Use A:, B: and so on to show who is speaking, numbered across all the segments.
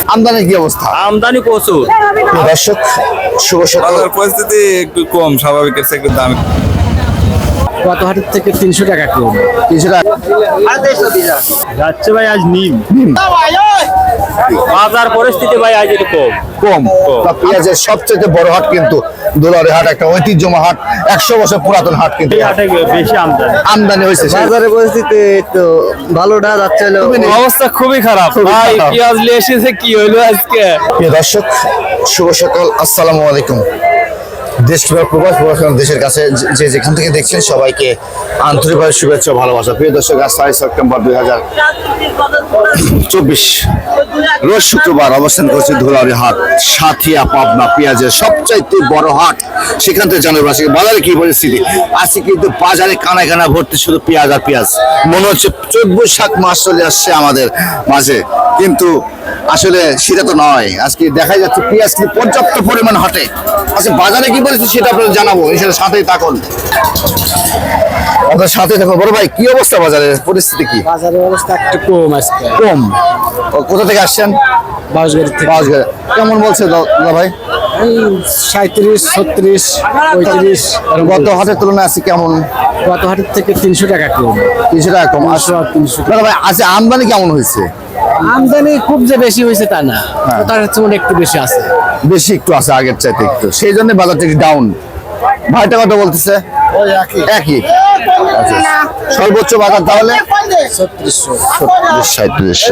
A: আমদানি কি অবস্থা?
B: আমদানি প্রচুর।
A: দর্শক শুভ সকাল।
C: পরিস্থিতি একটু কম, স্বাভাবিকের চেয়ে একটু দাম
B: গত হাটের থেকে 300 টাকা কম।
A: 300 টাকা
B: যাচ্ছে ভাই আজ নিম। বাজার পরিস্থিতি ভাই আজ একটু কম।
A: কম। পেঁয়াজের সবচেয়ে বড় হাট কিন্তু দুলারি হাট, একটা ঐতিহ্যময় হাট, 100 বছর পুরাতন হাট কিন্তু।
B: এই হাটে বেশি
A: আমদানি হয়েছে।
D: বাজারের পরিস্থিতি তো ভালোটা যাচ্ছে,
B: অবস্থা খুবই খারাপ ভাই। পেঁয়াজ নিয়ে এসেছে কি হইলো আজকে।
A: প্রিয় দর্শক শুভ সকাল, আসসালামু আলাইকুম। দেশ কিংবা প্রবাস দেশের কাছে যে যেখান থেকে দেখছেন সবাইকে আন্তরিকভাবে শুভেচ্ছা ও ভালোবাসা। প্রিয় দর্শক, আজ 4 সেপ্টেম্বর 2024 রোজ শুক্রবার অবস্থান করছি ধুলাউড়ি হাট, সাথিয়া পাবনা পেঁয়াজের সবচাইতে বড় হাট। সেখান থেকে জানাবো আজকে বাজারে কি পরিস্থিতি। আজকে কিন্তু বাজারে কানায় কানা ভর্তি শুধু পেঁয়াজ আর পেঁয়াজ। মনে হচ্ছে 14 বৈশাখ মাস চলে আসছে আমাদের মাঝে, কিন্তু আসলে সেটা তো নয়। আজকে দেখা যাচ্ছে পেঁয়াজ কিন্তু পর্যাপ্ত পরিমাণ হাটে। আচ্ছা, বাজারে কি পরিস্থিতি সেটা আপনাদের জানাবো, এছাড়া সাথেই থাকুন। আপনার সাথে থাকুন। বড় ভাই, কি অবস্থা বাজারের পরিস্থিতি? কি
D: বাজারের অবস্থা একটু কম আজকে।
A: কম? কোথা থেকে আসছেন?
D: বাঁশগাড়ি থেকে।
A: বাঁশগাড়ি। কেমন বলছে দাদা ভাই?
D: 37, 36, 35
A: গত হাটের তুলনায় আছে কেমন?
D: গত হাটের থেকে 300 টাকা কম।
A: 300 টাকা কম।
D: 300
A: দাদা ভাই, আচ্ছা আমদানি কেমন হয়েছে?
D: আমদানি খুব যে বেশি হয়েছে তা না, তার হচ্ছে মনে একটু বেশি আছে।
A: বেশি একটু আছে আগের চাইতে একটু, সেই জন্য বাজারটা একটু ডাউন। ভাইটা কত বলতেছে? একই। আচ্ছা, সর্বোচ্চ বাজার তাহলে 3700।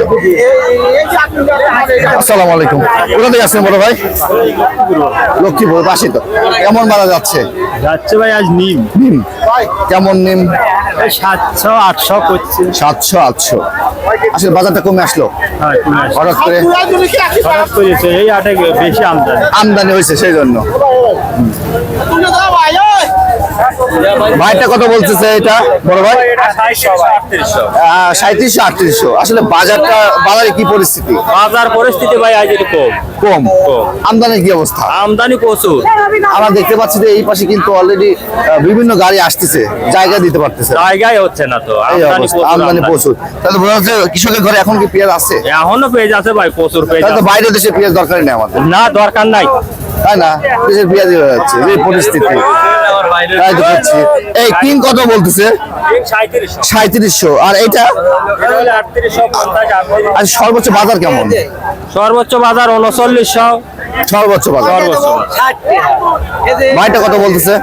A: আসসালামু আলাইকুম। কোথা থেকে আসছেন বড় ভাই? লক্ষ্মীপুর পাশে তো। কেমন বাজার যাচ্ছে?
B: যাচ্ছে ভাই আজ নিম।
A: নিম কেমন? নিম
B: 700 800 করছে।
A: 700 800। আসলে বাজারটা কমে আসলো হঠাৎ করে।
B: হঠাৎ করেছে এই হাটে বেশি
A: আমদানি হয়েছে সেই জন্য। ভাইটা কত বলতেছে এটা বড় ভাই? 3700 3800। আসলে বাজারে কি পরিস্থিতি?
B: বাজার পরিস্থিতি ভাই আজ একটু কম।
A: কম। আমদানি কি অবস্থা?
B: আমদানি প্রচুর।
A: আমরা দেখতে পাচ্ছি যে এই পাশে কিন্তু অলরেডি বিভিন্ন গাড়ি আসতেছে, জায়গা দিতে পারতেছে।
B: জায়গায় হচ্ছে না তো,
A: আমদানি প্রচুর। তাহলে বোঝা যাচ্ছে কৃষকের ঘরে এখন কি পেঁয়াজ আছে?
B: এখনো পেঁয়াজ আছে ভাই, প্রচুর পেঁয়াজ।
A: তাহলে তো বাইরের দেশে পেঁয়াজ দরকারই নেই আমাদের।
B: না, দরকার নাই,
A: তাই না? দেশের পেঁয়াজই হয়ে যাচ্ছে এই পরিস্থিতি। তাই তো হচ্ছে। এই কিং কত বলতেছে? 3700। আর এটা আর সর্বোচ্চ বাজার কেমন?
B: সর্বোচ্চ বাজার 3900।
A: সর্বোচ্চ বাজার। ভাইটা কত বলতেছে?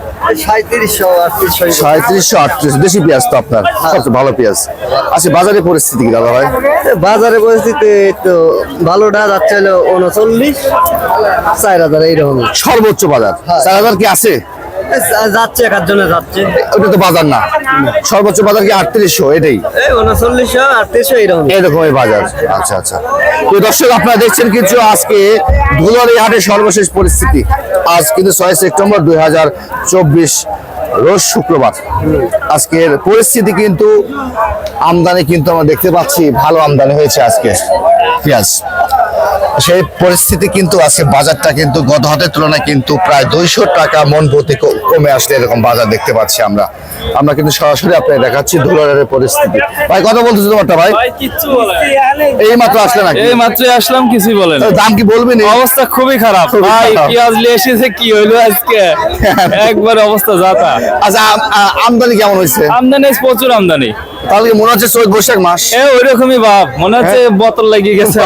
D: 3700
A: 3800। দেশি পেঁয়াজ তো আপনার সবচেয়ে ভালো পেঁয়াজ। আচ্ছা, বাজারের পরিস্থিতি কি দাদা ভাই?
D: বাজারের পরিস্থিতি তো ভালোটা যাচ্ছে, 39 4000 এইরকম
A: সর্বোচ্চ বাজার 4000 কি আছে?
D: যাচ্ছে, একার জন্য যাচ্ছে।
A: ওটা তো বাজার না। সর্বোচ্চ বাজার কি 3800? এটাই
D: 3900 3800 এইরকম
A: এরকমই বাজার। আচ্ছা আচ্ছা। তো দর্শক, আপনারা দেখছেন কিছু আজকে ধুলাউড়ি হাটের সর্বশেষ পরিস্থিতি। আজ কিন্তু 6 সেপ্টেম্বর 2024 রোজ শুক্রবার। আজকের পরিস্থিতি কিন্তু আমদানি কিন্তু আমরা দেখতে পাচ্ছি ভালো আমদানি হয়েছে আজকে পেঁয়াজ। সেই পরিস্থিতি কিন্তু আজকে বাজারটা কিন্তু গত হাটের তুলনায় কিন্তু প্রায় 200 টাকা মন প্রতি কমে আসলে এরকম বাজার দেখতে পাচ্ছি আমরা কিন্তু সরাসরি আপনাকে দেখাচ্ছি ধুলাউড়ির পরিস্থিতি। ভাই কত বলতেছে তোমারটা ভাই? এই মাত্র আসলে নাকি?
B: এই মাত্রই আসলাম, কিছুই বলেন।
A: দাম কি বলবেন?
B: অবস্থা খুবই খারাপ ভাই। পেঁয়াজ নিয়ে এসেছে কি হইলো আজকে, একবার অবস্থা যাতা।
A: আচ্ছা, আমদানি কেমন হয়েছে?
B: আমদানি প্রচুর আমদানি।
A: তাহলে মনে হচ্ছে 14 বৈশাখ মাস।
B: ওই রকমই ভাব, মনে হচ্ছে বোতল লাগিয়ে গেছে।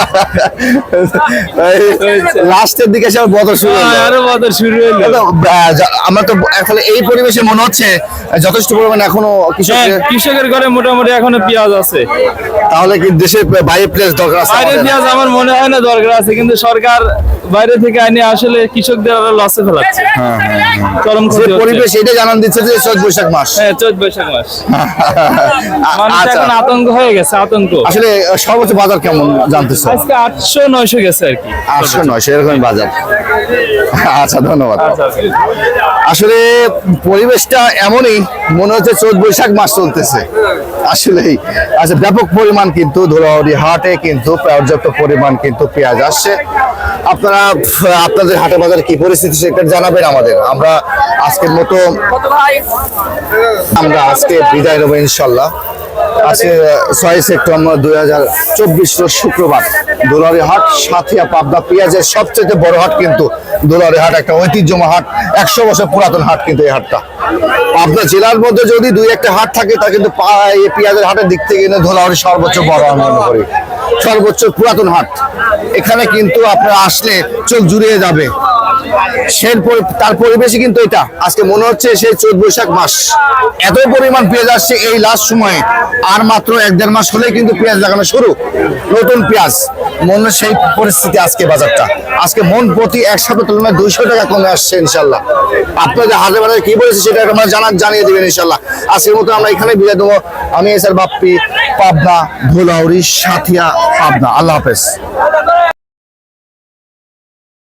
A: লাস্টের দিকে সব বদল শুরু হলো।
B: আরো বদল শুরু হলো।
A: আমরা তো আসলে এই পরিবেশে মনে হচ্ছে যথেষ্ট পরিমাণ এখনো
B: কৃষকের ঘরে মোটামুটি এখনো পেঁয়াজ আছে।
A: তাহলে কি দেশে বাইরে পেঁয়াজ দরকার আছে?
B: বাইরে পেঁয়াজ আমার মনে হয় না দরকার আছে, কিন্তু সরকার বাইরে থেকে আইনে আসলে কৃষকদের আরো লসে ফেলাচ্ছে। চরম ক্ষতি হচ্ছে।
A: পরিবেশ এটা জানান দিচ্ছে যে 14 বৈশাখ মাস।
B: 14 বৈশাখ মাস। মানুষ এখন আতঙ্ক হয়ে গেছে, আতঙ্ক।
A: আসলে সর্বোচ্চ বাজার কেমন জানতেছো?
B: আজকে 800 900 গেছে আর কি।
A: 800 900 এরকম বাজার। আচ্ছা, ধন্যবাদ। আসলে পরিবেশটা এমনই, মনে হচ্ছে 14 বৈশাখ মাস চলতেছে আসলেই। আচ্ছা, ব্যাপক পরিমাণ কিন্তু ধুলাউড়ি হাটে কিন্তু পর্যাপ্ত পরিমাণ কিন্তু পেঁয়াজ আসছে। আপনারা আপনাদের হাটে বাজারে কি পরিস্থিতি সেটা জানাবেন আমাদের। আমরা আজকের মতো আজকে বিদায় নেবো ইনশাল্লাহ। আজকে 6 সেপ্টেম্বর 2024 রোজ শুক্রবার দুলারি হাট সাথিয়া পাবনা পেঁয়াজের সবচেয়ে বড় হাট কিন্তু দুলারি হাট, একটা ঐতিহ্যময় হাট, 100 বছর পুরাতন হাট কিন্তু এই হাটটা। পাবনা জেলার মধ্যে যদি দুই একটা হাট থাকে তা কিন্তু এই পেঁয়াজের হাটের দিক থেকে কিন্তু ধুলাবাড়ি সর্বোচ্চ বড় আমি মনে করি, সর্বোচ্চ পুরাতন হাট। এখানে কিন্তু আপনারা আসলে চোখ জুড়িয়ে যাবে। তার পরিবেশই কিন্তু এটা আজকে মনে হচ্ছে সেই চৈত বৈশাখ মাস, এত পরিমাণ পেঁয়াজ আসছে এই লাস্ট সময়ে। আর মাত্র 1-1.5 মাস হলেই কিন্তু পেঁয়াজ লাগানো শুরু, নতুন পেঁয়াজ মনে সেই পরিস্থিতি। আজকে বাজারটা আজকে মন প্রতি 1 সপ্তাহ তুলনায় 200 টাকা কমে আসছে ইনশাল্লাহ। আপনাদের হাটে বাজারে কি বলেছে সেটা আমরা জানিয়ে দেবেন ইনশাল্লাহ। আজকের মতো আমরা এখানে বিদায় দেবো। আমি এসআর বাপ্পি, পাবনা, ধুলাউড়ি, সাথিয়া, পাবনা। আল্লাহ হাফেজ।